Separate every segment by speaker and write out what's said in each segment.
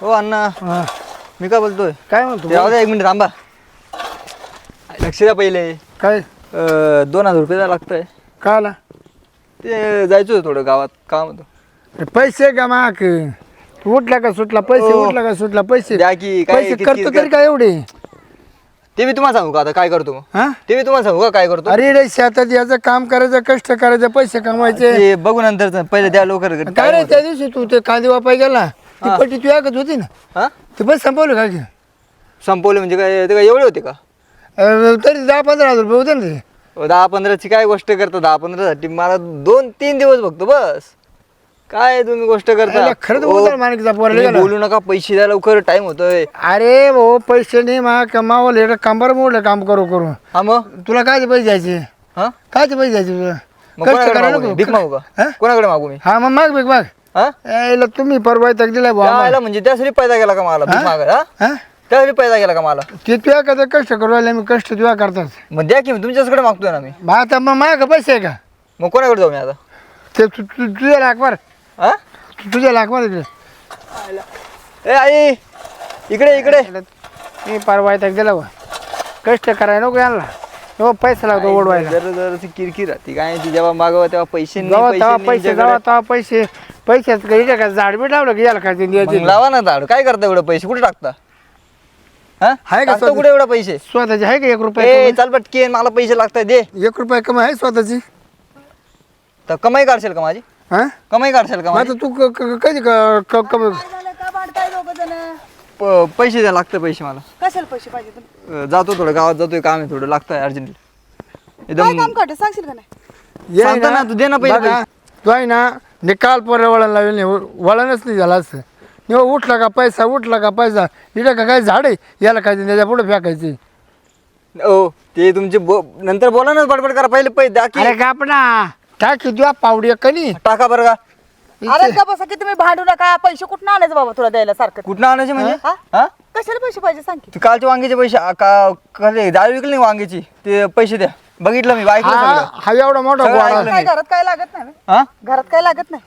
Speaker 1: हो अण्णा
Speaker 2: हा,
Speaker 1: मी काय बोलतोय
Speaker 2: काय म्हणतो
Speaker 1: ते राहू द्या 1 मिनिट थांबा. लक्ष द्या पहिले.
Speaker 2: काय
Speaker 1: 2000 रुपये द्या लागतंय.
Speaker 2: काय आला
Speaker 1: ते जायचं होतं थोडं गावात काम होतं.
Speaker 2: पैसे का माक उठला का सुटला पैसे
Speaker 1: ओ,
Speaker 2: उठला का सुटला पैसे
Speaker 1: द्या की, काय
Speaker 2: पैसे
Speaker 1: किती-
Speaker 2: करतो
Speaker 1: किती-
Speaker 2: तरी काय एवढे
Speaker 1: ते मी तुम्हाला सांगू का आता काय करतो मग?
Speaker 2: हा
Speaker 1: ते मी तुम्हाला सांगू का काय करतो?
Speaker 2: अरे रे शेतात याचं काम करायचं कष्ट करायचं पैसे कमवायचे
Speaker 1: ते बघू नंतर पहिले द्या लवकर.
Speaker 2: काय रे त्या दिवशी तू ते कांदे वापाय गेला ती
Speaker 1: हा.
Speaker 2: पट्टी तू ऐकत होती ना
Speaker 1: हा
Speaker 2: ते पैसे संपवलं का की?
Speaker 1: संपवले म्हणजे काय ते काय एवढे होते का?
Speaker 2: तरी 10-15 हजार रुपये होते ना ते
Speaker 1: 10-15ची काय गोष्ट करता? 10-15साठी मला 2-3 दिवस बघतो बस. काय तुम्ही गोष्ट करता?
Speaker 2: याला खरंच
Speaker 1: ओ,
Speaker 2: बोलतो माणिकचा पोराला
Speaker 1: तुम्ही
Speaker 2: गेला.
Speaker 1: बोलू नका, पैसे द्या लवकर, टाइम होतोय.
Speaker 2: अरे भाऊ पैसे नाही मा कमावले एवढं कंबर मोडलं काम करू करू
Speaker 1: हा मग
Speaker 2: तुला काय पैसे द्यायचे
Speaker 1: हा
Speaker 2: काय पैसे द्यायचे तुला
Speaker 1: मग
Speaker 2: कष्ट
Speaker 1: कोणाकडे
Speaker 2: करायला
Speaker 1: मागू मी?
Speaker 2: नको
Speaker 1: भीक मागू
Speaker 2: हा?
Speaker 1: का? कोणाकडे मागू मी?
Speaker 2: हा मग माग बेग माग
Speaker 1: हा
Speaker 2: यायला तुम्ही परवा तक दिलाय भाऊ आम्हाला.
Speaker 1: त्याला म्हणजे त्यासाठी पैदा गेला का मला? भीक
Speaker 2: हा?
Speaker 1: मागायला हा?
Speaker 2: हा?
Speaker 1: त्यासाठी पैदा गेला का मला?
Speaker 2: ते तुझ्या कसं कष्ट करू राहिले मी कष्ट तुझ्या करतात
Speaker 1: मग द्या की, मी तुमच्याकडे मागतोय ना मी.
Speaker 2: मग आता मग माझ्या पैसे आहे का
Speaker 1: मग कोणाकडे जाऊ मी आता?
Speaker 2: ते तुझ्या लाख मार
Speaker 1: हा
Speaker 2: तुझ्या लाख मार इकडे
Speaker 1: ए आई इकडे इकडे.
Speaker 2: मी परवा तक दिला बा कष्ट करायला नको यांना हो पैसा लागतो ओढवायला
Speaker 1: जर ती किरकिर राहते काय ती जेव्हा मागवा तेव्हा पैसे नाही,
Speaker 2: जेव्हा
Speaker 1: पैसे
Speaker 2: तेव्हा
Speaker 1: नाही
Speaker 2: पैसे
Speaker 1: तुमच्याकडे.
Speaker 2: जेव्हा तेव्हा पैसे पैशाच काही का झाड बी लावलं की याला काय ते द्यायचे
Speaker 1: मग लावा ना झाड. काय करता एवढं पैसे कुठे टाकता? हा
Speaker 2: आहे का
Speaker 1: टाकता
Speaker 2: स्वतः?
Speaker 1: कुठे एवढं पैसे?
Speaker 2: स्वतःचे आहे का 1
Speaker 1: ए
Speaker 2: रुपये
Speaker 1: चाल पटकेन, मला पैसे लागतात दे.
Speaker 2: 1 रुपये कमाई आहे स्वतःची
Speaker 1: तर कमाई काढशील का माझी?
Speaker 2: हा
Speaker 1: कमाई काढशील का
Speaker 2: मग
Speaker 1: माझी?
Speaker 2: आता तू कधी कमाई
Speaker 1: पैसे द्या, लागतं पैसे मला.
Speaker 3: कशाला पैसे पाहिजे तुला
Speaker 1: जातो थोडं गावात जातोय, काम आहे थोडं, लागतंय अर्जंट
Speaker 3: काय
Speaker 1: एकदम.
Speaker 3: काम करते सांगशील का नाही
Speaker 2: ये
Speaker 1: सांगतो ना, तू दे ना पहिले
Speaker 2: बघा, तू आहे ना निकाल पोरं वळण लावेल नाही वळणच नाही झालं असं निव्वळ उठला का पैसा इकडे का काय झाड आहे याला काय ते त्याच्या पुढे फेकायचे
Speaker 1: ओ ते तुमचे नंतर बोला ना, बडबड करा, पहिले पैसे द्या
Speaker 2: अरे
Speaker 1: की.
Speaker 2: का आपण टाक तुझ्या पावडी कनी
Speaker 1: टाका बरं का.
Speaker 3: अरे का बसा की तुम्ही भांडू नका पैसे कुठून आणायचं बाबा तुला द्यायला सारखं
Speaker 1: कुठनं आणायचे म्हणजे?
Speaker 3: हा?
Speaker 1: हा
Speaker 3: कशाला पैसे पाहिजे सांग की
Speaker 1: ते कालचे वांग्याचे पैसे डाळ विकली नाही वांग्याची, ते पैसे द्या. बघितलं मी, ऐकलं
Speaker 2: हा
Speaker 1: सगळं.
Speaker 2: हा एवढा मोठा
Speaker 1: सगळं
Speaker 2: गोळा
Speaker 1: ऐकलं.
Speaker 3: काय घरात काय लागत नाही
Speaker 1: हा
Speaker 3: घरात काय लागत नाही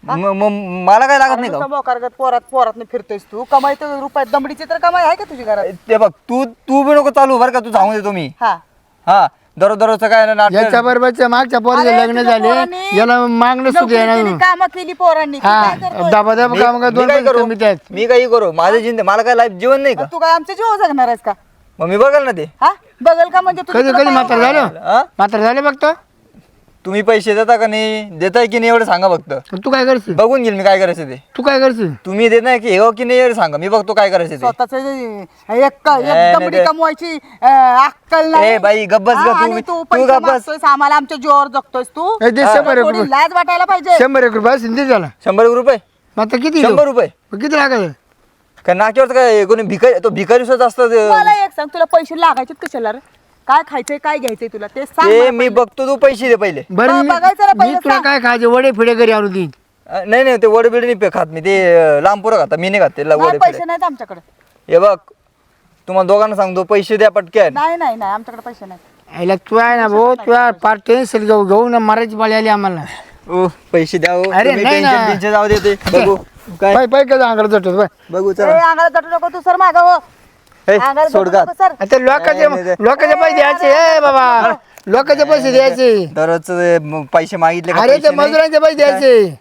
Speaker 1: मला काय लागत नाही का?
Speaker 3: मोकारगत पोरात फिरतोयस तू कमाई तर रुपयात दमडीची तर कमाई आहे का तुझी घरात
Speaker 1: ते बघ, तू बी नको चालू बरं का, तू सांगून देतो मी.
Speaker 3: हा
Speaker 1: हा दररोजचं काय ना नाटक.
Speaker 2: याच्या बरोबरच्या मागच्या पोराचे
Speaker 3: अरे,
Speaker 2: लग्न
Speaker 3: तुझ्या
Speaker 2: झाले
Speaker 3: पोरांनी
Speaker 2: याला मागणं सुद्धा येणार
Speaker 3: काम केली पोरांनी तू
Speaker 2: हा
Speaker 3: काय करतोय?
Speaker 2: दबा दबा काम का
Speaker 1: मी
Speaker 2: 2
Speaker 1: काय
Speaker 2: पैसे
Speaker 1: करू?
Speaker 2: कमी त्यात
Speaker 1: मी काही करू, माझं जिंद मला काय लाईफ जीवन नाही का?
Speaker 3: तू काय आमच्या जीव जगणार आहेस का
Speaker 1: मग मी बघाल ना ते.
Speaker 3: हा बघल का म्हणजे तुझं
Speaker 2: कधी
Speaker 3: तुला
Speaker 2: कधी
Speaker 3: पाय
Speaker 2: म्हातार
Speaker 3: उघडायला.
Speaker 2: झालं
Speaker 1: हा
Speaker 2: म्हातार झाले बघतो
Speaker 1: तुम्ही पैसे देता का नाही, देताय की नाही एवढं सांगा फक्त.
Speaker 2: तू काय करशील
Speaker 1: बघून घेईल मी काय करायचं ते.
Speaker 2: तू काय करशील
Speaker 1: तुम्ही देत नाही की हो की नाही एवढं सांगा, मी बघतो काय करायचं ते.
Speaker 3: स्वतःच एक
Speaker 1: नाही
Speaker 3: दमडी
Speaker 1: ते.
Speaker 3: कमवायची अक्कल नाही
Speaker 1: ए बाई, गप्प बस
Speaker 3: हा,
Speaker 1: गं,
Speaker 3: आणि
Speaker 1: तू
Speaker 3: तू पैसे
Speaker 1: गप्प बस.
Speaker 3: मागतोयस, आम्हाला आमच्या जीवावर जगतोयस तू
Speaker 2: ए, दे
Speaker 3: तुला
Speaker 2: 100
Speaker 3: थोडी
Speaker 2: रुपये
Speaker 3: लाज वाटायला पाहिजे
Speaker 2: 100 रुपये असेल दे त्याला
Speaker 1: 100 रुपये
Speaker 2: मग आता किती
Speaker 1: 100 रुपये
Speaker 2: मग किती लागत
Speaker 1: काय नाक्यावर काय कोणी भिकारी, तो भिकारी सुद्धा असतं ते.
Speaker 3: मला एक सांग तुला पैसे लागायचे कशाला रे? काय खायचंय काय घ्यायचंय तुला ते सांग
Speaker 1: ते
Speaker 3: मला
Speaker 1: मी
Speaker 3: पहिले.
Speaker 1: बघतो, तू पैसे दे पहिले.
Speaker 2: बरं
Speaker 3: बघायचं ना
Speaker 2: मी
Speaker 3: पहिलं
Speaker 2: तुला
Speaker 3: सांग.
Speaker 2: काय खायचे वडे फिडे घरी आणून देईन
Speaker 1: नाही नाही, ते वडे बिडे नाही खात मी, ते लांब पोरं खातात, मी नाही खात ते
Speaker 3: नाही,
Speaker 1: वडे
Speaker 3: पैसे
Speaker 1: बिडे.
Speaker 3: नाहीत आमच्याकडे
Speaker 1: हे बघ, तुम्हाला दोघांना सांगतो, पैसे द्या पटक्यान.
Speaker 3: नाही नाही नाही आमच्याकडे पैसे नाही
Speaker 2: याला तू आहे ना भाऊ तू पार टेन्शन घेऊ ना मारायची पाळी आली आम्हाला
Speaker 1: ओ पैसे द्या हो.
Speaker 2: अरे,
Speaker 1: तुम्ही
Speaker 2: नाही ना.
Speaker 1: टेन्शन बिन्शन जाऊ देते. बघू काय
Speaker 2: पाय पाय कसं अंगाला जातो बाय
Speaker 1: बघू
Speaker 3: ए,
Speaker 1: चला.
Speaker 3: अंगाला जटू नको तू सर मागं हो
Speaker 1: हे,
Speaker 3: अंगाला
Speaker 1: सोड
Speaker 3: जटू
Speaker 1: का.
Speaker 3: नको सर
Speaker 2: आता लोकांचे
Speaker 1: नाही, नाही.
Speaker 2: लोकांचे पैसे द्यायचे ए बाबा लोकांचे पैसे द्यायचे
Speaker 1: दररोज पैसे मागितले का?
Speaker 2: अरे ते
Speaker 1: पैसे नाही.
Speaker 2: मजुरांचे पैसे द्यायचे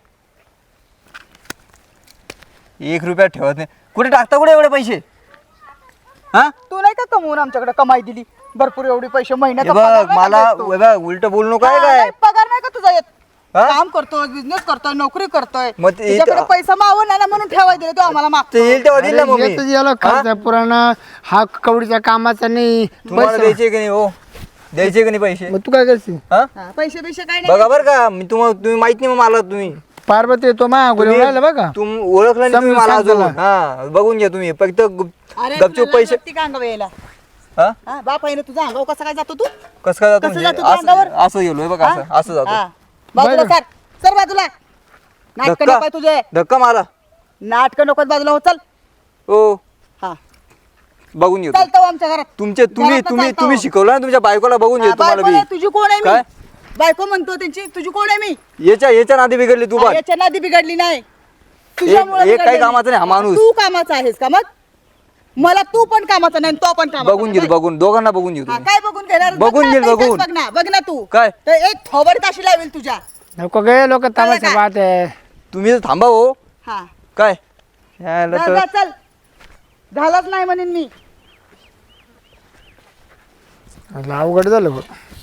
Speaker 1: 1 रुपया ठेवत नाही. कुठे टाकता कुठे एवढे पैसे? हा
Speaker 3: तू नाही का कमवून आमच्याकडे कमाई दिली भरपूर एवढी पैसे
Speaker 1: हे
Speaker 3: महिन्याचा
Speaker 1: बघ,
Speaker 3: पगार नाही
Speaker 1: मला
Speaker 3: का देत तू?
Speaker 1: हे बघ, उलट बोलू नको आहे
Speaker 3: हा,
Speaker 1: काय.
Speaker 3: नाही, पगार नाही का तुझा येत
Speaker 1: हा?
Speaker 3: काम करतोय बिझनेस करतोय नोकरी करतोय
Speaker 1: मग ते-
Speaker 3: तुझ्याकडे पैसा मावून ना म्हणून ठेवाय दिले तो आम्हाला मागतो
Speaker 1: ते येईल तेव्हा दिल ना मग मी.
Speaker 2: येतच याला खर्च पुराणा हा कवडीच्या कामाचा नाही
Speaker 1: तुम्हाला
Speaker 2: पैसा.
Speaker 1: द्यायचे की नाही हो? द्यायचे की नाही पैसे?
Speaker 2: मग तू काय करशील
Speaker 1: हा
Speaker 3: हा, पैसे पैसे काय नाही
Speaker 1: बघा बरं का, मी तुम्ही माहित नाही मग मला, तुम्ही
Speaker 2: पार्वती तो मा
Speaker 1: तुम्ही-
Speaker 2: राहिला बघा
Speaker 1: तुम ओळखलं नाही तुम्ही
Speaker 2: समजून
Speaker 1: मला
Speaker 2: सांग
Speaker 1: अजून.
Speaker 2: त्याला.
Speaker 1: हा बघून घ्या तुम्ही फक्त
Speaker 3: अरे
Speaker 1: गपचूप
Speaker 3: तुला
Speaker 1: पैसे.
Speaker 3: लागती का अंगावर यायला
Speaker 1: हा
Speaker 3: हा बाप आहे ना तुझा अंगावर कसा काय जातो तू
Speaker 1: कसं काय जातो
Speaker 3: कसं
Speaker 1: म्हणजे?
Speaker 3: जातो तू अंगावर?
Speaker 1: असं गेलोय बघा, असं असं
Speaker 3: हा
Speaker 1: जातो.
Speaker 3: बाजूला
Speaker 2: बरं.
Speaker 3: सर बाजूला नाटक
Speaker 1: धक्का
Speaker 3: नको तुझे
Speaker 1: धक्का मारा.
Speaker 3: नाटक नको बाजूला हो चल
Speaker 1: हो
Speaker 3: हा
Speaker 1: बघून घेतो.
Speaker 3: चालतो आमच्या घरात
Speaker 1: तुम्ही
Speaker 3: घरातनं
Speaker 1: तुम्ही
Speaker 3: चालतो.
Speaker 1: तुम्ही शिकवलं ना तुमच्या बायकोला, बघून
Speaker 3: हा,
Speaker 1: घेतो तुम्हाला
Speaker 3: बायको नाही,
Speaker 1: बी.
Speaker 3: तुझी कोण आहे
Speaker 1: काय?
Speaker 3: मी बायको म्हणतो त्यांची तुझी कोण आहे मी
Speaker 1: याच्या नादी बिघडली तू बघ.
Speaker 3: याच्या नादी बिघडली नाही तुझ्यामुळे
Speaker 1: एक काही कामाचा नाही हा माणूस.
Speaker 3: तू कामाचा आहेस का मग? मला तू पण कामाचा नाही तो पण कामाचा
Speaker 1: बघून घेतो,
Speaker 3: नाही.
Speaker 1: बघून दोघांना बघून घेतो.
Speaker 3: हा, काय बघून घेणार?
Speaker 1: बघून
Speaker 3: बघ ना,
Speaker 1: घेईल,
Speaker 3: आता
Speaker 1: बघून.
Speaker 3: इथेच बघ ना, बघ ना तू
Speaker 1: काय?
Speaker 3: तर एक थोबड ताशी लावेल तुझ्या.
Speaker 2: नको गे लोक तमाशा
Speaker 3: का?
Speaker 2: पाहत आहे.
Speaker 1: तुम्ही तर थांबा हो.
Speaker 3: हा
Speaker 1: काय यायला
Speaker 3: जा,
Speaker 1: तर-
Speaker 3: जा, चल झालाच नाही म्हणेन मी.
Speaker 2: म्हटलं अवघड झालं बघ.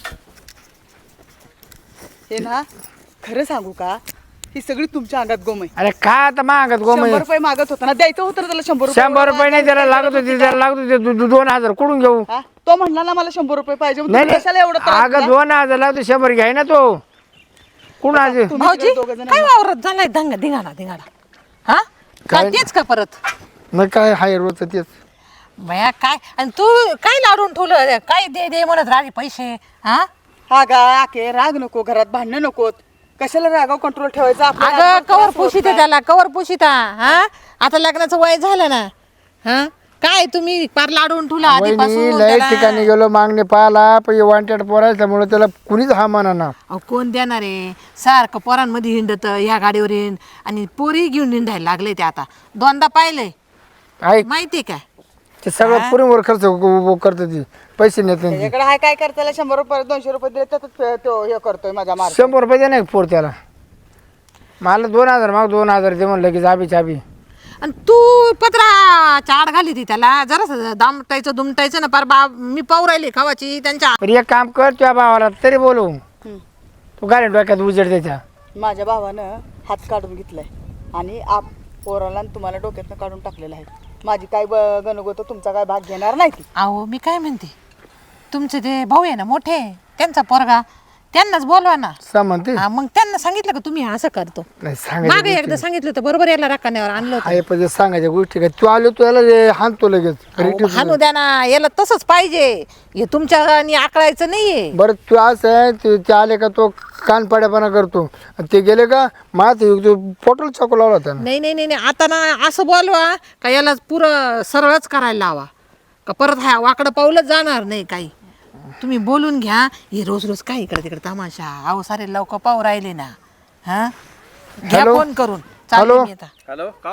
Speaker 3: हे ना खरं सांगू का, ही सगळी तुमच्या अंगात गोमय.
Speaker 2: अरे काय आता मागत गो
Speaker 3: 100 रुपये मागत होता ना, द्यायचं होतं ना त्याला 100 रुपये.
Speaker 2: 100 रुपये नाही त्याला लागत होते, त्याला लागत होते 2000 कुठून घेऊ?
Speaker 3: हा? तो म्हणला ना मला 100 रुपये पाहिजे, मग
Speaker 2: नाही
Speaker 3: तुम्ही कशाला एवढं त्रास
Speaker 2: अगं
Speaker 3: दिला?
Speaker 2: 2000 लागतो 100 घ्याय ना तो कुठं आज
Speaker 3: तुम्ही
Speaker 4: भाऊजी
Speaker 3: तिकडे दोघं जण
Speaker 4: काय वावरत झालाय धिंगाणा हा काय
Speaker 2: काय-
Speaker 4: तेच का परत
Speaker 2: मग काय हाय रोजचं तेच.
Speaker 4: बया काय आणि तू काय लाडून ठेवलं काय दे दे म्हणत राहिले पैसे हा
Speaker 3: हा गा आके राग नको, घरात भांडणं नकोत. कशाला रागाव कंट्रोल ठेवायचा? आपल्या
Speaker 4: अगं
Speaker 3: आजूबाजूला
Speaker 4: कवर
Speaker 3: त्रास होत
Speaker 4: पुशीता
Speaker 3: नाही.
Speaker 4: त्याला कवर पुशीता हा आता लग्नाचं वय झालं ना हा काय तुम्ही पार लाडून ठेवला
Speaker 2: वहिनी
Speaker 4: आधीपासून
Speaker 2: लय
Speaker 4: त्याला.
Speaker 2: ठिकाणी गेलो मागणे पाहिला पण वॉन्टेड पोरायच्यामुळे त्याला कुणीच हा म्हणा ना.
Speaker 4: अहो, कोण देणार आहे सारखं पोरांमध्ये हिंडत ह्या गाडीवर हिंड आणि पोरी घेऊन हिंडायला लागले ते आता दोनदा पाहिलंय
Speaker 2: ऐक
Speaker 4: माहिती काय
Speaker 2: ते सगळं पुरीवर खर्च करतो ती पैसे नेत नाही ती.
Speaker 3: त्याच्याकडे हाय काय करताला 100 रुपये 200 रुपये दिले तर तो हे करतोय माझा मार.
Speaker 2: 100 रुपये दे नाही पोर त्याला. मला 2000 माग 2000 दे म्हणलं की चाबी चाबी.
Speaker 4: आणि तू पत्रा चाड घाली ती त्याला जरा दामटायचं दुमटायचं ना पार मी पाहू राहिली खावाची त्यांच्या
Speaker 2: पण एक काम कर तुझ्या भावाला तरी बोलू तू गाडी डोक्यात उजेड त्याच्या.
Speaker 3: माझ्या भावानं हात काढून घेतलाय आणि आप पोराला आणि तुम्हाला डोक्यातनं काढून टाकलेलं आहे. माझी काय गणगोत तुमचा काय भाग घेणार नाही ती.
Speaker 4: अहो मी काय म्हणते तुमचे ते भाऊ आहे ना मोठे त्यांचा पोरगा त्यांनाच बोलवा ना
Speaker 2: सा म्हणते
Speaker 4: हा, मग त्यांना सांगितलं का तुम्ही असं करतो
Speaker 2: नाही
Speaker 4: मागे
Speaker 2: सांगायचं
Speaker 4: एकदा सांगितलं होतं बरोबर याला राखाण्यावर आणलं होतं
Speaker 2: आहे पण सांगायच्या गोष्टी काय तू आलो तू याला हाणतो लगेच.
Speaker 4: अहो, हाणू द्या ना याला तसंच पाहिजे हे तुमच्या आणि आकळायचं नाहीये
Speaker 2: बरं तू असं आहे ते आले का तो कानपाड्यापणा करतो आणि ते गेले का तू पोटल चाकू लावला होता ना.
Speaker 4: नाही नाही नाही नाही. आता ना असं बोलवा का याला पुरं सरळच करायला लावा का परत हा वाकडं पाऊलच जाणार नाही काही तुम्ही बोलून घ्या हे रोज रोज काय इकडे तिकडे तमाशा अहो सारे लवकर पाहू राहिले ना हा घ्या
Speaker 2: हॅलो?
Speaker 4: फोन करून चालले
Speaker 2: हॅलो?
Speaker 4: मी आता
Speaker 5: हॅलो का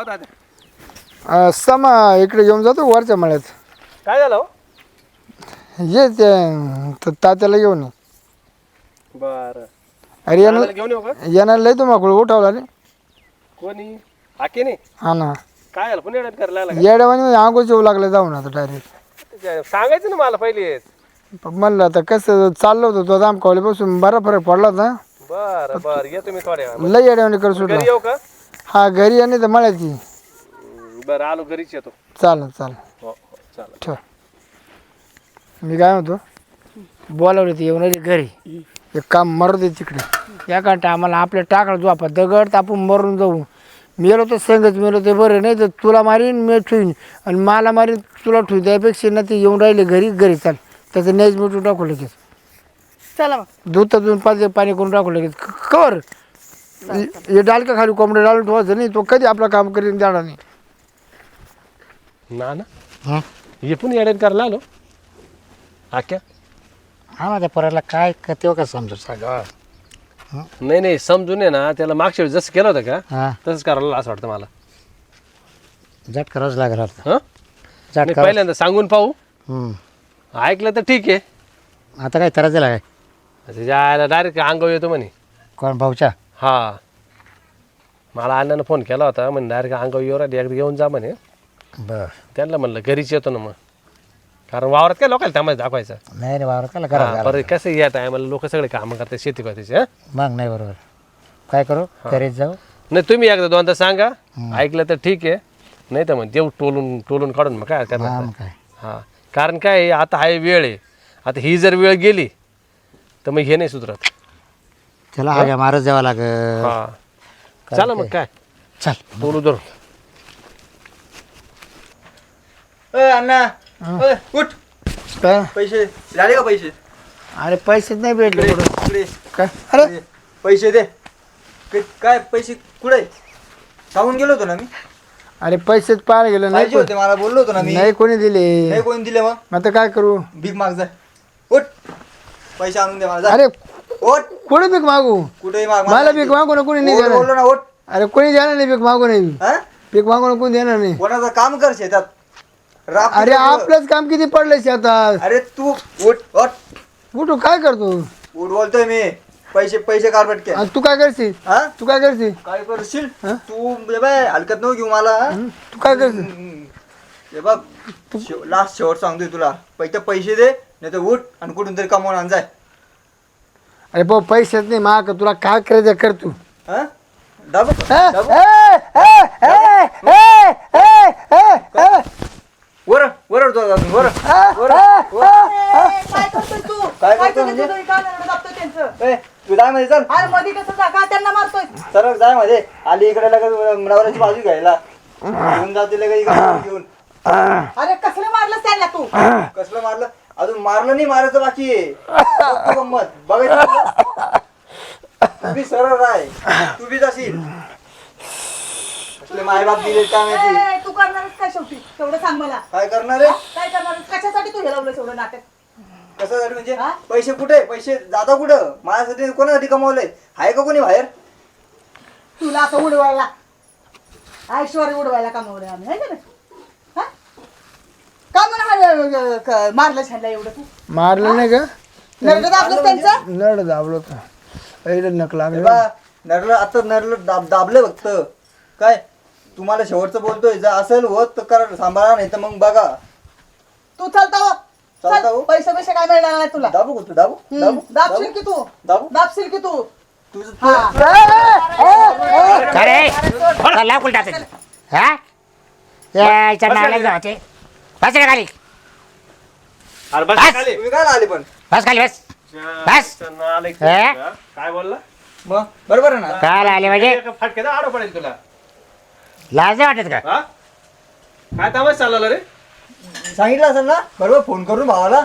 Speaker 5: दादा
Speaker 2: समा इकडे येऊन जातो वरच्या मळ्यात.
Speaker 5: काय झालं हो?
Speaker 2: ये ते तात्याला घेऊन ये.
Speaker 5: बरं
Speaker 2: अरे
Speaker 5: दादाला घेऊन येऊ का
Speaker 2: येणार लय तुम्हाला उठवला रे.
Speaker 5: कोणी हाके नाही
Speaker 2: हा ना
Speaker 5: काय झालं पुणे करायला लागला
Speaker 2: येड्यावानी आंघोळ येऊ लागलं जाऊन आता डायरेक्ट.
Speaker 5: का? सांगायचं ना मला पहिलेच.
Speaker 2: म्हणलं आता कसं चाललो होतो तो दामकावले बसून बरा फरक पडला होता.
Speaker 5: बरं बरं येतो मी थोड्या वेळात.
Speaker 2: लय येड्यावानी कर सुटला.
Speaker 5: घरी येऊ का
Speaker 2: हा घरी आणि तर मळ्याची.
Speaker 5: बरं आलो घरीच येतो.
Speaker 2: चालेल चालेल
Speaker 5: हो हो चालेल.
Speaker 2: ठेव. मी काय म्हणतो बोलावले ते येऊन आले घरी एक काम मरू दे तिकडे या कांटा आम्हाला आपल्या टाकला जो आपण दगड आपण मरून जाऊ. मेलो तर संगच मेलो ते बरं नाही तर तुला मारीन मी ठेवीन आणि मला मारीन तुला ठेवू त्यापेक्षा ना ते येऊन राहिले घरी चाल त्याचं नेज मिठून टाकू लगेच
Speaker 3: चला मग
Speaker 2: दूध तर पाणी करून टाकू लगेच कर हे डालका खाली कोंबडे डालून ठेवायचं नाही तो कधी आपलं काम करीन जाणार नाही.
Speaker 5: ना ना हे पण येड्यात करायला आलो आक्या
Speaker 6: हा माझ्या पोराला काय तेव्हा का समजू सांगा.
Speaker 5: नाही नाही समजून आहे ना त्याला मागच्या वेळी जसं केलं होतं का
Speaker 6: हा
Speaker 5: तसंच करायला असं वाटतं मला.
Speaker 6: झट करावंच लागेल आता.
Speaker 5: हं
Speaker 6: झट
Speaker 5: नाही,
Speaker 6: कर.
Speaker 5: पहिल्यांदा सांगून पाहू ऐकलं तर ठीक आहे.
Speaker 6: आता काय करायचं काय
Speaker 5: त्याच्या डायरेक्ट अंगावर येतो म्हणे.
Speaker 6: कोण भाऊच्या
Speaker 5: हा मला अण्णानं फोन केला होता म्हणे डायरेक्ट अंगावर येऊ राहिली एकदा घेऊन जा म्हणे.
Speaker 6: बर
Speaker 5: त्यांना म्हणलं घरीच येतो ना मग कारण वावरात काय लोकांना थांबायचं दाखवायचं.
Speaker 6: नाही रे वावर काला
Speaker 5: हा,
Speaker 6: करा
Speaker 5: बरं कसं या टायमाला लोक सगळे कामं करतात शेती करते.
Speaker 6: मग नाही बरोबर काय करू घरीच जाऊ.
Speaker 5: नाही तुम्ही एकदा दोनदा सांगा ऐकलं तर ठीक आहे नाही तर मग देऊ टोलून काढून मग काय
Speaker 6: हा
Speaker 5: करणार
Speaker 6: मग काय
Speaker 5: हा कारण काय आहे, आता हा वेळ आहे. आता ही जर वेळ गेली तर मग हे नाही सुधरत.
Speaker 6: त्याला हाग्या मारत जावं लागेल.
Speaker 5: हा चला मग काय
Speaker 6: चल
Speaker 5: बोलू धरू.
Speaker 1: अण्णा उठ.
Speaker 2: काय
Speaker 1: पैसे झाले का पैसे?
Speaker 2: अरे पैसेच नाही भेटले
Speaker 1: इकडे,
Speaker 2: कुठं.
Speaker 1: इकडे.
Speaker 2: काय अरे
Speaker 1: पैसे दे. काय पैसे कुठे सांगून गेलो होतो ना मी.
Speaker 2: अरे पैसेच पाहायला गेलो नाही
Speaker 1: पाहिजे होते मला बोललो होतो ना मी.
Speaker 2: नाही कोणी दिले.
Speaker 1: नाही कोणी दिले मग
Speaker 2: मग आता काय करू.
Speaker 1: भीक माग जा. उठ पैसे आणून दे मला जा.
Speaker 2: अरे
Speaker 1: उठ
Speaker 2: कोणी भीक मागू
Speaker 1: कुठेही माग
Speaker 2: मला भीक मागू ना कोणी नाही
Speaker 1: उठ,
Speaker 2: देणार.
Speaker 1: बोललो ना उठ
Speaker 2: अरे कोणी देणार नाही पीक मागून नाही
Speaker 1: हा?
Speaker 2: पीक मागून कोणी देणार नाही.
Speaker 1: कोणाचं काम कर शेतात राब
Speaker 2: अरे आपलंच काम किती पडलं शेतात.
Speaker 1: अरे तू उठ उठ
Speaker 2: कुठं काय करतो
Speaker 1: उठ बोलतोय मी. पैसे पैसे काढ पटके.
Speaker 2: आणि तू काय करशील
Speaker 1: हा
Speaker 2: तू काय करशील
Speaker 1: काय करशील तू ये बाय हलकत नको घेऊ मला.
Speaker 2: तू काय करशील
Speaker 1: हे बघ लास्ट शेवट सांगतोय तुला पैसे दे नाही तर उठ आणि कुठून तरी कमवून आण जाय.
Speaker 2: अरे भाऊ पैसेच नाही माग तुला काय करायचं कर तू.
Speaker 1: हा दाबू
Speaker 2: हा?
Speaker 1: दाबू वर वर वर
Speaker 3: काय करतोय तू
Speaker 1: काय
Speaker 3: काय
Speaker 1: करतोय
Speaker 3: तुझ्या
Speaker 1: म्हणजे?
Speaker 3: तुझं काय दाबतोय त्यांचं
Speaker 1: ए तू जाय मध्ये चल
Speaker 3: अरे मध्ये कसं जा का त्यांना मारतोय
Speaker 1: सरळ जाय मध्ये आली इकडे लगेच नवऱ्याची बाजू घ्यायला घेऊन जाते लगेच इकडे घेऊन.
Speaker 3: अरे कसलं मारलं त्यांना तू
Speaker 1: कसलं मारलं अजून मारलं नाही मारायचं बाकी आहे. बघ तू गंमत बघायचं तू बी सरळ राय तू बी जाशील माय बाप दिले काय माहिती
Speaker 3: ए, तू करणारच काय शेवटी तेवढं सांग मला
Speaker 1: काय करणार आहे
Speaker 3: काय करणार कशासाठी तू हेरवलं एवढं नाटक
Speaker 1: कसं झालं म्हणजे
Speaker 3: हा?
Speaker 1: पैसे कुठे पैसे जाता कुठं माझ्यासाठी कोणासाठी कमवलंय आहे का कोणी बाहेर
Speaker 3: तुला असं उडवायला ऐश्वर्य उडवायला कमावलं आम्ही है का नाही हा? का म्हणा मारलं छानला एवढं तू
Speaker 2: मारलं नाही का
Speaker 3: नरडं दाबलं त्यांचं
Speaker 2: नड दाबलो का अरे नक
Speaker 1: हे
Speaker 2: लागलं
Speaker 1: बा, नरलं आता नरलं दाबलं फक्त काय तुम्हाला शेवटचं बोलतोय जर असेल होत तर करा सांभाळा नाही तर मग बघा
Speaker 3: तू चालता हो.
Speaker 1: चालता हो.
Speaker 3: चल, पैसे पैसे काय मिळणार नाही तुला
Speaker 1: दाबू का तू दाबू दाबू
Speaker 3: दाबशील की तू
Speaker 1: दाबू
Speaker 3: दाबशील की तू
Speaker 1: तुझं
Speaker 3: हा.
Speaker 6: अरे लाव कुल टाकायचं हा यायच्या नाला जाते बस रे खाली
Speaker 5: अरे बस
Speaker 6: बस.
Speaker 5: खाली.
Speaker 1: तुम्ही काय आले पण
Speaker 6: बस खाली बस बस.
Speaker 5: नालायक.
Speaker 6: हे?
Speaker 5: हा? काय बोलला
Speaker 1: मग बरोबर आहे ना
Speaker 6: काय आले म्हणजे
Speaker 5: फटक्याचा आडो पडेल तुला
Speaker 6: लाज नाही वाटत का
Speaker 5: हा काय तमाश चालला रे
Speaker 1: सांगितलं असेल ना बरोबर फोन करून भावाला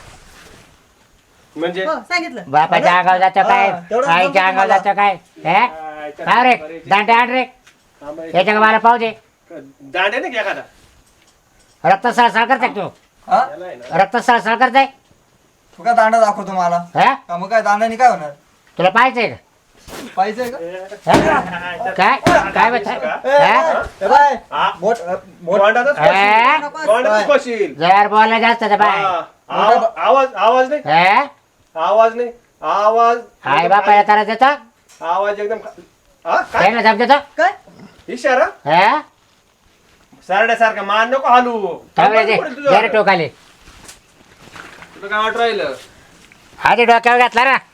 Speaker 5: म्हणजे
Speaker 3: हो, सांगितलं
Speaker 6: बापाच्या अंगावर जातं काय
Speaker 1: हा, तेवढं
Speaker 6: आईच्या
Speaker 1: जमतं
Speaker 6: अंगावर
Speaker 1: मला.
Speaker 6: जातं काय हे? काय रे दांडे आण रे याच्या मला पाहू दे
Speaker 5: दांडे नाही एखादा
Speaker 6: रक्त सळसळ करताय तू
Speaker 1: हा
Speaker 5: याला आहे ना.
Speaker 6: रक्त सळसळ करताय
Speaker 1: तू काय दांडा दाखवतो मला
Speaker 6: हा
Speaker 1: का मग काय दांडाने काय होणार
Speaker 6: तुला पाहायचंय का
Speaker 1: पाहिजे का
Speaker 6: हा? काय काय म्हणताय? हा?
Speaker 1: ए बाय
Speaker 5: हा?
Speaker 1: मोठ मोठ
Speaker 5: गोंडातच
Speaker 6: हा?
Speaker 5: खोशील. गोंडातच खोशील.
Speaker 6: जर बोलला जास्त तर बाय
Speaker 5: हा. आवाज नाही
Speaker 6: हा?
Speaker 5: आवाज नाही आवाज
Speaker 6: आई बापाला त्रास देतो
Speaker 5: आवाज एकदम हा काय
Speaker 6: त्याला जप देतो
Speaker 3: काय
Speaker 5: इशारा
Speaker 6: हा
Speaker 5: सारड्यासारखा मान नको हालू
Speaker 6: थांबले ते
Speaker 5: पडेल तुझं.
Speaker 6: जरा टोकाले
Speaker 5: तुला काय वाट राहिलं
Speaker 6: आधी डोक्यावर घातला ना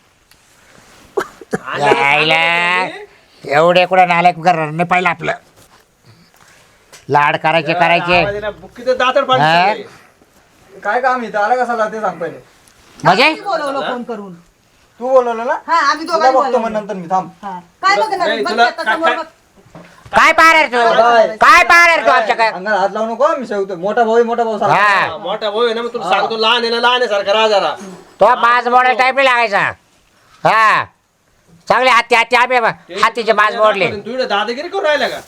Speaker 6: यायला एवढे कुठं नालायक करणार नाही पाहिलं आपलं लाड करायचे
Speaker 5: बुक्कीचं दातड
Speaker 6: हा?
Speaker 5: पाडली
Speaker 1: काय काम इथं आला कसा ते सांग पहिले
Speaker 6: म्हणजे
Speaker 3: आम्ही बोलवलं फोन करून
Speaker 1: तू बोलवलं ना
Speaker 3: हा आम्ही
Speaker 1: तुला
Speaker 3: दोघांनी
Speaker 1: बघतो मग
Speaker 3: बोलवलं.
Speaker 1: नंतर मी थांब
Speaker 3: हा. काय बघणार
Speaker 5: नाही,
Speaker 3: बघ
Speaker 5: तुला
Speaker 3: आता समोर बघ.
Speaker 6: काय पाहणार तू काय पाहणार तू आमच्या काय
Speaker 1: अंगाला हात लावू नको मी शेवतो मोठा भाऊ आहे, मोठा भाऊ सांग
Speaker 6: हा
Speaker 5: मोठा भाऊ आहे ना मग तुला सांगतो लहान आहे ना लहान आहे सारखा राहा जरा
Speaker 6: तो मास मोडायला टाईप नाही लागायचा हा चांगले हाती हाती आम्ही हातीचे मास मोडले
Speaker 5: तू इकडे दादागिरी करून राहिला का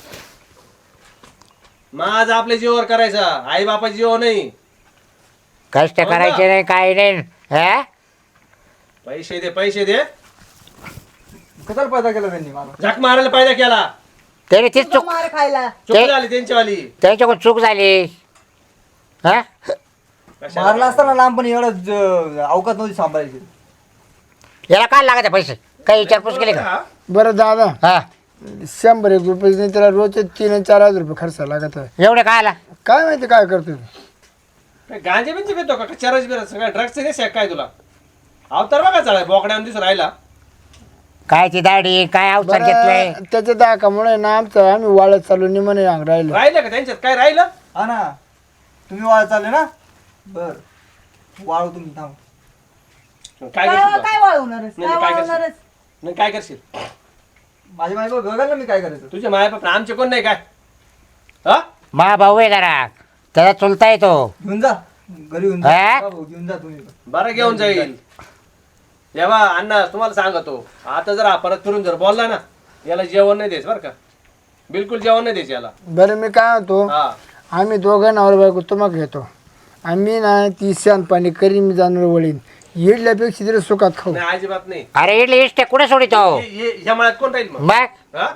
Speaker 5: माझ आपल्या जीवावर करायचा आई बापाच्या जीव नाही
Speaker 6: कष्ट करायचे नाही काही नाही हा
Speaker 5: पैसे दे
Speaker 1: कशाला पैदा केला त्यांनी मला
Speaker 5: झक मारायला पाहिजे केला
Speaker 6: त्याने तीच
Speaker 3: तुला
Speaker 6: चूक
Speaker 3: मार खायला
Speaker 5: चुक
Speaker 6: ते-
Speaker 5: झाली त्यांच्यावाली
Speaker 6: त्यांच्याकडून चूक झाली हा
Speaker 5: कशाला?
Speaker 1: मारला असताना लहानपणी एवढं अवकात नव्हती सांभाळायची
Speaker 6: याला काय लागायचं पैसे काही विचारपूस केली का
Speaker 5: हा?
Speaker 2: बरं दादा
Speaker 6: हा
Speaker 2: 100 रुपये नाही त्याला रोजचे 3-4 रुपये खर्च लागत आहे.
Speaker 6: एवढे काय आला
Speaker 2: काय माहिती काय करतो
Speaker 5: काय गांजे बिंजे पितो का चरस बिरस सगळ्या ड्रग्सचे नाही काय तुला अवतार बघा चालाय बोकड्यावर दिसून राहिला
Speaker 6: काय ती दाढी काय अवसर घेतलंय
Speaker 2: बरं, त्याच्या दाखामुळे ना आमचं आम्ही वाळत चालू निमणे राहिलो
Speaker 5: राहिलं का त्यांच्यात काय राहिलं
Speaker 1: हा ना तुम्ही वाळ चालले ना बर वाळू तुम्ही थांब
Speaker 5: काय
Speaker 3: काय
Speaker 5: करशील
Speaker 3: काय वाळवणारच
Speaker 5: नाही,
Speaker 3: काय
Speaker 5: काय करशील?
Speaker 3: वाळवणारच
Speaker 5: नाही काय करशील
Speaker 1: माझी माहिती बघाल ना मी काय करायचं
Speaker 5: तुझे माय बाप आमचे कोण नाही काय हा
Speaker 6: मा भाऊ आहे जरा त्याचा चुलता येतो
Speaker 1: घेऊन जा घरी घेऊन जा
Speaker 6: हा?
Speaker 1: हा भाऊ, घेऊन जा तुम्ही पण.
Speaker 5: बरं घेऊन जाईल जेव्हा अण्णा तुम्हाला सांगतो आता जर हा परत फिरून जर बोलला ना याला जेवण नाही द्यायचं बरं का बिलकुल जेवण नाही द्यायचं याला
Speaker 2: बरं मी काय म्हणतो
Speaker 5: हा
Speaker 2: आम्ही दोघं नवरा बायको तुम्हाला घेतो आम्ही ना ती शान पाणी करीन मी जाणार वळीन येडल्यापेक्षा तरी सुखात खाऊ
Speaker 5: नाही अजिबात नाही
Speaker 6: अरे इडली इष्ट कुठे सोडितो
Speaker 5: ह्या मळ्यात कोण राहील मग
Speaker 6: मग
Speaker 5: हा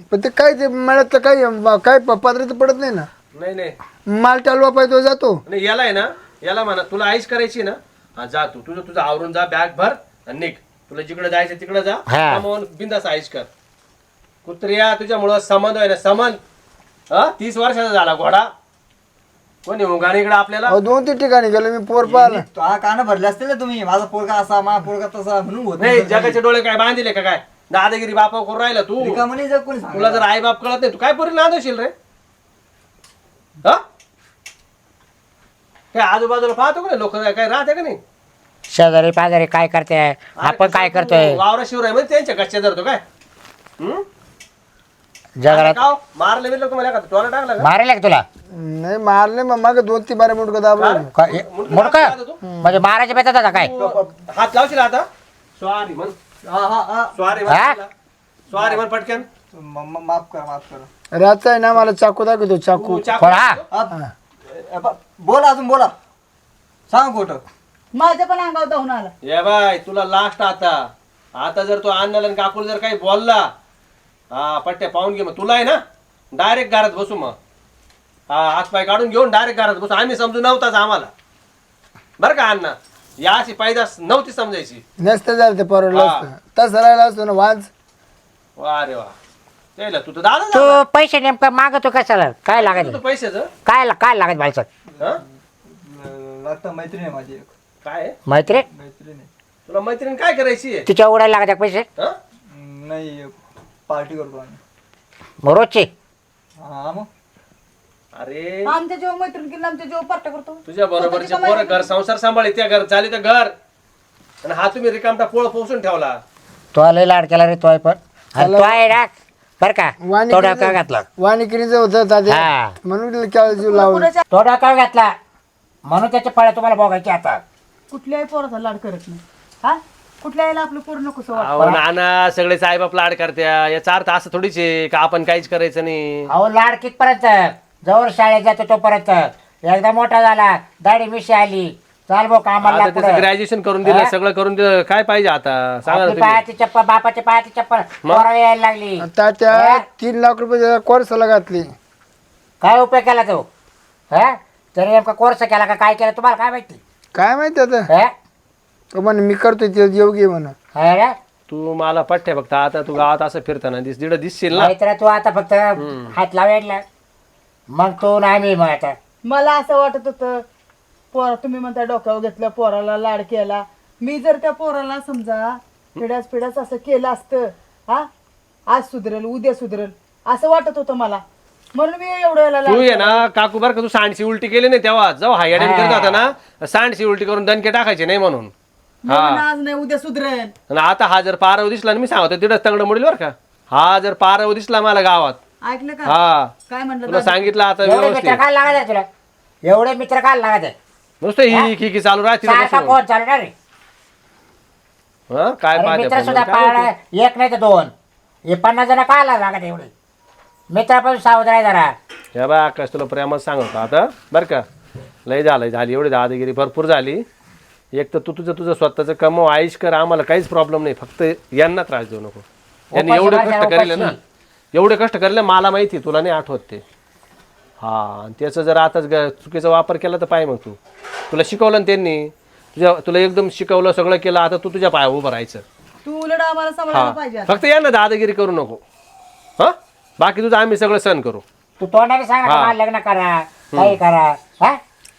Speaker 2: पण ते काय ते मला काय पात्राचं पडत नाही ना.
Speaker 5: नाही नाही
Speaker 2: माल टालवा पाहिजे तो जातो.
Speaker 5: नाही याला आहे ना, याला म्हणा तुला आईश करायची ना, हा जा तू तुझं आवरून जा, बॅग भर आणि निघ. तुला जिकडे जायचं तिकडे जा,
Speaker 6: हा.
Speaker 5: कमावून बिंदास आईश कर. कुत्र्या तुझ्यामुळं संबंध आहे ना, संबंध 30 वर्षाचा झाला घोडा. कोणी उगाने इकडे आपल्याला
Speaker 2: 2-3 ठिकाणी गेलो मी पोर पाहिला.
Speaker 1: तो हा कान भरले असतील ना तुम्ही, माझा पोरगा असा माझा पोरगा तसा म्हणून होत
Speaker 5: नाही. जगाचे डोळे काय बांधिले का काय? दादागिरी बापा करून राहिला तू.
Speaker 1: रिकामणी जर कोणी सांगितलं.
Speaker 5: तुला जर आई बाप कळत नाही, तू काय पोरी नांदवशील रे? हा काय आजूबाजूला पाहतो का नाही लोक, काय राहते का नाही?
Speaker 6: शेजारी पाजारी काय करते, आपण काय करतोय
Speaker 5: वावरा शिवराय म्हणजे त्यांच्या कच्च्या धरतो काय?
Speaker 6: जगाला
Speaker 5: का मारले बिरलं तुम्हाला का टोला टाकला का?
Speaker 6: मारेल का तुला?
Speaker 2: नाही मारले मग मागे 2-3 बारे मुटका दाबलं.
Speaker 6: मुडक म्हणजे मारायच्या बेतात आता काय?
Speaker 5: तू हात लावशील आता? सॉरी म्हण, सॉरी
Speaker 6: हा?
Speaker 5: म्हण, सॉरी म्हण पटकन.
Speaker 1: माफ करा.
Speaker 2: रातचा आहे ना मला चाकू दाखवतो चाकू.
Speaker 5: तू चाकू
Speaker 6: कोण हा?
Speaker 1: बोला अजून बोला, सांग खोटं.
Speaker 3: माझ्या पण अंगावर धावून आला.
Speaker 5: ये बाय तुला लास्ट आता जर तू अण्णाला आणि काकूला जर काही बोलला, हा पट्ट्या पाहून घे. मग तुला आहे ना डायरेक्ट घरात बसू. मग हा हातपाय काढून घेऊन डायरेक्ट घरात बसू. आम्ही समजू नव्हताच आम्हाला, बरं का अण्णा? या अशी पैदास नव्हती समजायची.
Speaker 2: नसतं झालं ते परवडलं
Speaker 5: हा.
Speaker 2: असतं. तसं राहिला असतो ना वाज.
Speaker 5: वा रे वा, त्याला तू तर दादा
Speaker 6: तू पैसे नेमकं मागतो कशाला? काय लागायचं?
Speaker 5: पैशाचं
Speaker 6: काय लागत बालचं?
Speaker 5: हा?
Speaker 1: लागतं मैत्रीण आहे माझी एक.
Speaker 5: काय आहे?
Speaker 6: मैत्री
Speaker 1: मैत्रीण आहे.
Speaker 5: तुला मैत्रीण काय करायची आहे?
Speaker 6: तिच्या उडायला लागत पैसे
Speaker 5: हा?
Speaker 1: नाही पार्टी करतो आम्ही.
Speaker 6: मग रोजचे?
Speaker 1: हा मग
Speaker 5: अरे
Speaker 3: आमच्या जेव्हा मैत्रीण केली आमच्या जेव्हा पार्ट्या करतो.
Speaker 5: तुझ्या बरोबरचे पोरं घर संसार सांभाळी, त्या घर झाली तर घर, आणि हा तुम्ही रिकामटा पोळ पोसून ठेवला.
Speaker 6: तो लय लाड केला रे तो पण. आणि तो आहे ना बर का,
Speaker 2: वाणी
Speaker 6: तो डोक्यावर घातला.
Speaker 2: वाणिकिरीचं होतं तात्या.
Speaker 6: हा,
Speaker 2: म्हणून केळं जीव लावलं.
Speaker 3: कुणाच्या
Speaker 6: तो डोक्यावर घातला म्हणून त्याचे फळ तुम्हाला बघायचे आता.
Speaker 3: कुठल्याही पोराचा लाड करत नाही. हा कुठल्याही आपलं पोर नको सो
Speaker 5: अहो नाना सगळेच आईबाप लाड करत्या, याचा अर्थ असं थोडीच आहे का आपण काहीच करायचं नाही.
Speaker 6: अहो लाड कितपर्यंत? जवळ शाळेत जातो तोपर्यंत. एकदा मोठा झाला, दाढी मिशी आली, चाल भाऊ कामाला
Speaker 5: आता त्याचं ग्रॅज्युएशन करून दिलं, सगळं करून दिलं, काय पाहिजे आता सांगा ना तुम्ही.
Speaker 6: पायाची चप्पल, बापाच्या पायाची चप्पल पोराला यायला लागली.
Speaker 2: तात्या 3 लाख रुपये कोर्सला घातली.
Speaker 6: काय उपयोग केला तो? हा तरी नेमका कोर्स केला का काय केलं तुम्हाला काय माहिती?
Speaker 2: काय माहिती आता.
Speaker 6: हा?
Speaker 2: तो म्हणे मी करतोय ते योग्य म्हणा.
Speaker 6: हा रे?
Speaker 5: तू मला पठ्ठ्या फक्त आता तू गावात असं फिरताना दिसशील ना.
Speaker 6: नाहीतर तू आता फक्त हात लावायला मग तो नाही मी मग आता.
Speaker 3: मला असं वाटत होतं पोरा तुम्ही म्हणता डोक्यावर घेतलं, पोराला लाड केला. मी जर त्या पोराला समजा पिढ्यास असं केलं असतं, हा आज सुधरेल उद्या सुधरेल असं वाटत होतं मला, म्हणून मी एवढं याला
Speaker 5: तू
Speaker 3: लाड
Speaker 5: ये ना काकू बर का, तू सांडशी उलटी केली नाही तेव्हा जेव्हा हायडेन करत होता ना, सांडशी उलटी करून दणके टाकायचे नाही म्हणून.
Speaker 3: म्हणून आज नाही उद्या सुधरेल.
Speaker 5: आणि आता हा जर पारव दिसला ना, मी सांगतो तिथंच तंगड मोडील बरं का. हा जर पारव दिसला मला गावात,
Speaker 3: ऐकलं का
Speaker 5: हा
Speaker 3: काय म्हणलं
Speaker 5: तुला सांगितलं आता
Speaker 6: एवढे मित्र
Speaker 5: व्यवस्थित.
Speaker 6: काय लागत आहे तुला? एवढे मित्र काय लागत आहे?
Speaker 5: नुसतं ही चालू राहते ना
Speaker 6: सारखा
Speaker 5: बसून.
Speaker 6: फोन चालू ना रे.
Speaker 5: हा, काय
Speaker 6: अरे
Speaker 5: पाहते
Speaker 6: मित्र
Speaker 5: आपण,
Speaker 6: सुद्धा
Speaker 5: काय
Speaker 6: पाळला
Speaker 5: माहिती?
Speaker 6: एक नाही तर 2. हे 50 जण काय लागत एवढे? मित्रापासून सावध राहा जरा.
Speaker 5: हे बा आकाश तुला प्रेमात सांगतो आता बरं का, लय झाली एवढी दादागिरी भरपूर झाली. एक तर तू तुझं स्वतःचं कमव, आयुष कर, आम्हाला काहीच प्रॉब्लेम नाही, फक्त यांना त्रास देऊ नको. यांनी एवढे कष्ट करेल ना, एवढे कष्ट करेल मला माहिती, तुला नाही आठवत ते. हा आणि त्याचं जर आता चुकीचा वापर केला तर पाय, मग तुला शिकवलं ना त्यांनी, तुला एकदम शिकवलं सगळं केलं, आता तू तुझ्या पाया उभं राहायचं.
Speaker 3: तू उलट आम्हाला सांभाळायला पाहिजे
Speaker 5: हा
Speaker 3: आता.
Speaker 5: फक्त यांना दादागिरी करू नको. हा बाकी तुझं आम्ही सगळं सहन करू.
Speaker 6: तू तोंडाने सांग
Speaker 5: हा.
Speaker 6: मला लग्न करा, काही करा. हा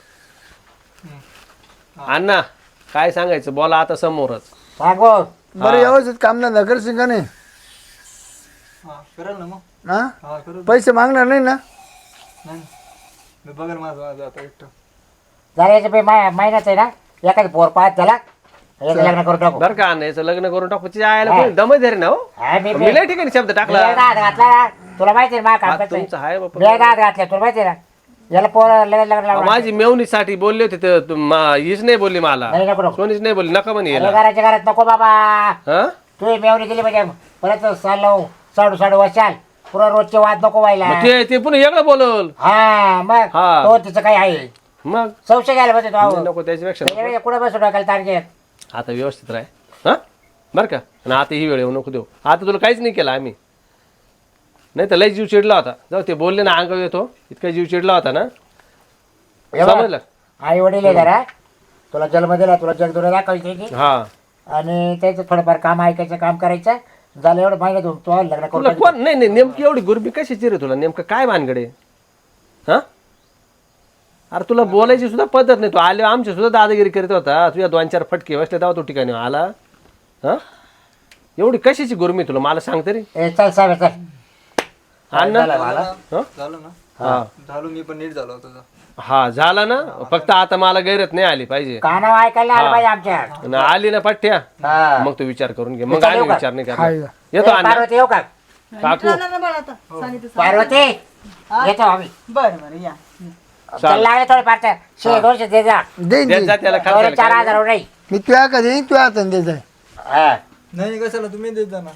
Speaker 5: अण्णा काय सांगायचं बोला आता समोरच.
Speaker 6: सांगू.
Speaker 2: बरं व्यवस्थित कामधंदा करशील का नाही?
Speaker 1: हा करेल ना मग.
Speaker 2: हा
Speaker 1: हा करू.
Speaker 2: पैसे मागणार नाही ना?
Speaker 1: नाही मी बघेल माझं आता एकटं.
Speaker 6: जरा याचं महिन्याच आहे ना, एखादी पोर पाहत त्याला याचं लग्न करून टाकू.
Speaker 5: बरं का अण्णा याचं लग्न करून टाकू. तिच्या आयला कोणी दम धरे ना हो.
Speaker 6: हा,
Speaker 5: मी लय ठिकाणी शब्द
Speaker 6: मी
Speaker 5: टाकला.
Speaker 6: एकदा हात घातला तुला माहिती आहे ना, माझं काम
Speaker 5: हा,
Speaker 6: कसं आहे.
Speaker 5: तुमचं आहे बापा.
Speaker 6: मी एकदा हात घातला तुला माहिती आहे ना, याला पोर लग्न लावलं.
Speaker 5: माझी मेवणीसाठी बोलले होते तर हीच नाही बोलली मला,
Speaker 6: नाही नको नको.
Speaker 5: सोनीच नाही बोलली, नका म्हणे
Speaker 6: अरे
Speaker 5: याला.
Speaker 6: घराच्या घरात नको बाबा.
Speaker 5: हा
Speaker 6: तू मेवणी दिली म्हणजे परत साडू वर्षाल पुरा रोजचे वाद नको व्हायला.
Speaker 5: मग ते पुन्हा वेगळं बोलल.
Speaker 6: हा मग
Speaker 5: हा.
Speaker 6: तो तिचं काही आहे
Speaker 5: मग
Speaker 6: संशय घ्यायला पाहिजे तो.
Speaker 5: नको त्याच्यापेक्षा नको.
Speaker 6: कुठे बसू टाकायला तारखेत.
Speaker 5: आता व्यवस्थित राह हा बरं का. आणि आता ही वेळ येऊ नको देऊ. आता तुला काहीच नाही केलं आम्ही. नाही तर लय जीव चिडला होता. जाऊ ते बोलले ना अंगावर येतो, इतका जीव चिडला होता ना. समजलं?
Speaker 6: आई वडील आहे जरा, तुला जन्म दिला, तुला जगदुरा दाखवायची
Speaker 5: हा.
Speaker 6: आणि त्याचं थोडंफार काम ऐकायचं, काम करायचं. झालं एवढं माहिती तू लग्न
Speaker 5: तुला
Speaker 6: करून
Speaker 5: कोण नाही नेमकी एवढी गुरबी कशाची रे तुला? नेमकं काय भानगडे? हा, अरे तुला बोलायची सुद्धा पद्धत नाही. तू आले आमची सुद्धा दादागिरी करीत होता. तुझ्या 2-4 फटके बसले तेव्हा तू ठिकाणी आला. हा, एवढी कशाची गुरमी तुला मला सांग तरी.
Speaker 6: चल साहेब चल.
Speaker 5: अण्णा
Speaker 1: झालं ना?
Speaker 5: हा
Speaker 1: झालो, मी पण नीट झालो होतो.
Speaker 5: हा झाला ना. फक्त आता मला गैरत नाही आली पाहिजे.
Speaker 6: कानावर ऐकायला आलं पाहिजे आमच्या.
Speaker 5: आणि आली ना पठ्ठ्या,
Speaker 6: हा.
Speaker 5: मग तू विचार करून घे. मग आम्ही विचार नाही करणार.
Speaker 2: हाय.
Speaker 5: येतो अण्णा.
Speaker 6: पार्वती येऊ का?
Speaker 5: काकू
Speaker 3: राहणार ना बाळा आता सांगितलं
Speaker 6: पार्वती येतो आम्ही.
Speaker 3: बरं बरं या.
Speaker 6: चल लागले थोडे पार्ट 200 दे जा.
Speaker 2: देईन
Speaker 5: देत
Speaker 2: देईन.
Speaker 5: जा त्याला
Speaker 6: थोडे
Speaker 5: खर्चाला.
Speaker 6: 4000 नाही.
Speaker 2: मी तुझ्या का देईन, तुझ्या हाताने द्यायचं आहे.
Speaker 6: हा.
Speaker 1: नाही कशाला, तुम्ही देत जा ना.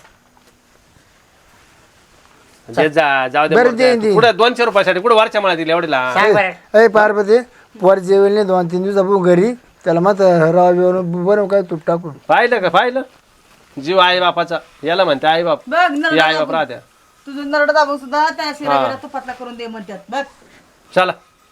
Speaker 5: देत जा, जाऊ दे.
Speaker 2: बरं, देईन, देईन.
Speaker 5: कुठे 200 रुपयासाठी कुठे वरच्या मला दिली एवढीला?
Speaker 6: सांग बरं.
Speaker 2: अय पार्वती, वर जेवेल नाही 2-3 दिवसापासून घरी. त्याला मग राव बिवून बरं काय तूप टाकून.
Speaker 5: पाहिलं का? पाहिलं जीव आई बापाचा. याला म्हणते आई बाप.
Speaker 3: बघ
Speaker 5: हे आई बाप राहत्या.
Speaker 3: तुझं नरड दाबून सुद्धा त्या शिरा तुपातला करून दे म्हणतात बघ.
Speaker 5: चला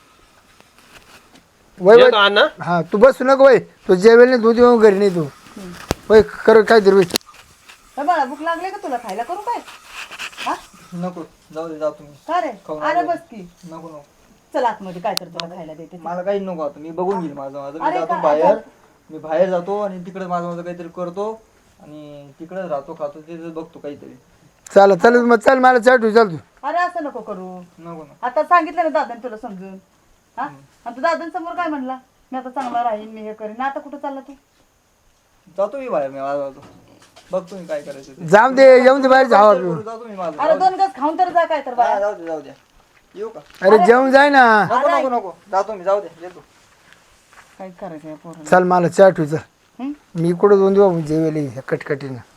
Speaker 2: वय वय
Speaker 5: येतो अण्णा.
Speaker 2: हा, तू बसू नको वय. तू जेवेल नाही, दूध येऊन घरी नाही तू. वय कर काय तरी वय.
Speaker 3: काय बाळा भूक लागले का तुला? खायला करू काय? हा
Speaker 1: नको, जाऊ दे, जा तुम्ही.
Speaker 3: का रे? अरे बस की.
Speaker 1: नको नको,
Speaker 3: चल आतमध्ये काय तर तुला खायला देते.
Speaker 1: मला काही नको. आता मी बघून घेईल माझं माझं. मी
Speaker 3: अरे
Speaker 1: जातो
Speaker 3: काय-
Speaker 1: बाहेर. मी बाहेर जातो आणि तिकडे माझं माझं काहीतरी करतो आणि तिकडेच राहतो, खातो, तिथे बघतो काहीतरी.
Speaker 2: चाल चाल मग चल, मला चाटू चाल तू.
Speaker 3: अरे असं नको करू.
Speaker 1: नको ना.
Speaker 3: आता सांगितलं ना दादाने तुला समजून. हा, आणि तू दादांसमोर काय म्हणला? मी आता चांगला राहीन, मी हे करीन. आता कुठं चालला तू?
Speaker 1: जातो मी बाहेर. मी माझं जातो, बघतो मी काय करायचं ते.
Speaker 2: जाऊन दे, येऊन दे बाहेर जावा.
Speaker 1: जातो मी माझं.
Speaker 3: अरे 2 गज खाऊन तर जा काय तर
Speaker 1: हा,
Speaker 3: बाळा.
Speaker 1: जाऊ दे, जाऊ द्या. येऊ का?
Speaker 2: अरे जेवून जाय ना.
Speaker 1: नको नको नको, जातो मी. जाऊ दे, येतो.
Speaker 3: काय करायचं या पोराला?
Speaker 2: चल मला चाटू चल.
Speaker 3: हं?
Speaker 2: मी कुठं 2 दिवस जेवेल कटकटीनं.